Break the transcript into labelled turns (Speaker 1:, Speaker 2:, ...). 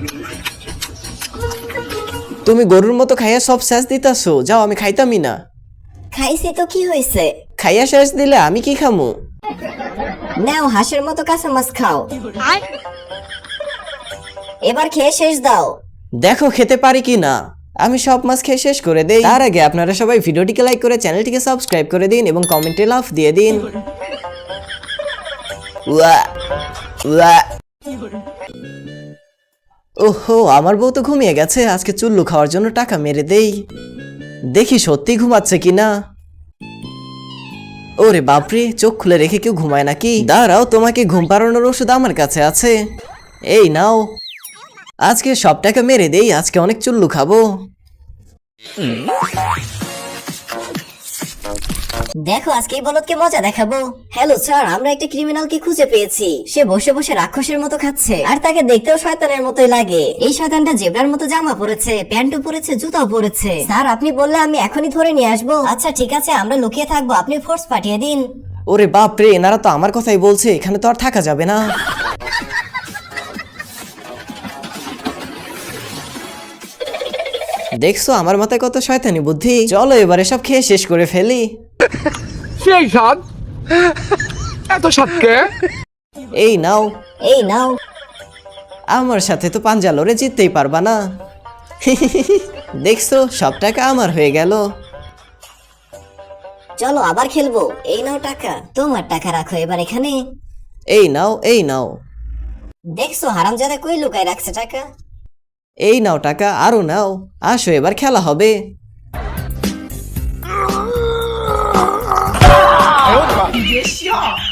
Speaker 1: তুমি গরুর মতো খাইয়া সব শেষ দিতাছো, যাও আমি খাইতামই না।
Speaker 2: খাইছি তো কি হয়েছে?
Speaker 1: খাইয়া শেষ দিলে আমি কি খামু?
Speaker 2: নাও হাঁসের মতো কাঁচা মাছ খাও, এবার খেয়ে শেষ দাও।
Speaker 1: দেখো খেতে পারি কি না। আমি সব মাছ খেয়ে শেষ করে দেই। তার আগে আপনারা সবাই ভিডিওটিকে লাইক করে চ্যানেলটিকে সাবস্ক্রাইব করে দিন এবং কমেন্টে লাফ দিয়ে দিন। উয়া উয়া। ওহো, আমার বউ তো ঘুমিয়ে গেছে। আজকে চুল্লু খাওয়ার জন্য টাকা মেরে দেই, দেখি সত্যি ঘুমাচ্ছে কিনা। ওরে বাপরে, চোখ খুলে রেখে কেউ ঘুমায় নাকি? দাঁড়াও, তোমাকে ঘুম পাড়ানোর ওষুধ আমার কাছে আছে, এই নাও। আজকে সব টাকা মেরে দেই, আজকে অনেক চুল্লু খাবো।
Speaker 2: দেখো আজকে এই বলদকে মজা দেখাবো। হ্যালো স্যার, আমরা একটা ক্রিমিনালকে খুঁজে পেয়েছি। সে বসে বসে রাক্ষসের মতো খাচ্ছে, আর তাকে দেখতেও শয়তানের মতোই লাগে। এই শয়তানটা জেব্রার মতো জামা পরেছে, প্যান্টও পরেছে, জুতাও পরেছে। স্যার আপনি বললে আমি এখনই ধরে নিয়ে আসবো। আচ্ছা ঠিক আছে, আমরা লুকিয়ে থাকবো, আপনি ফোর্স পাঠিয়ে দিন।
Speaker 1: ওরে বাপরে, এনারা তো আমার কথাই বলছে, এখানে তো আর থাকা যাবে না। দেখছো আমার মাথায় কত শয়তানি বুদ্ধি। চলো এবারে সব খেয়ে শেষ করে ফেলি।
Speaker 3: সেই স্বাদ, এত স্বাদকে।
Speaker 1: এই নাও।
Speaker 2: এই নাও।
Speaker 1: আমার সাথে তো পাঞ্জা লড়ে জিততেই পারবা না। দেখছো সব টাকা আমার হয়ে গেল।
Speaker 2: চলো আবার খেলবো। এই নাও টাকা, তোমার টাকা রাখো এবার এখানে।
Speaker 1: এই নাও, এই নাও।
Speaker 2: দেখছো হারামজাদা কই লুকায় রাখছে টাকা।
Speaker 1: এই নাও টাকা, আরো নাও। আসো এবার খেলা হবে।
Speaker 3: 别笑。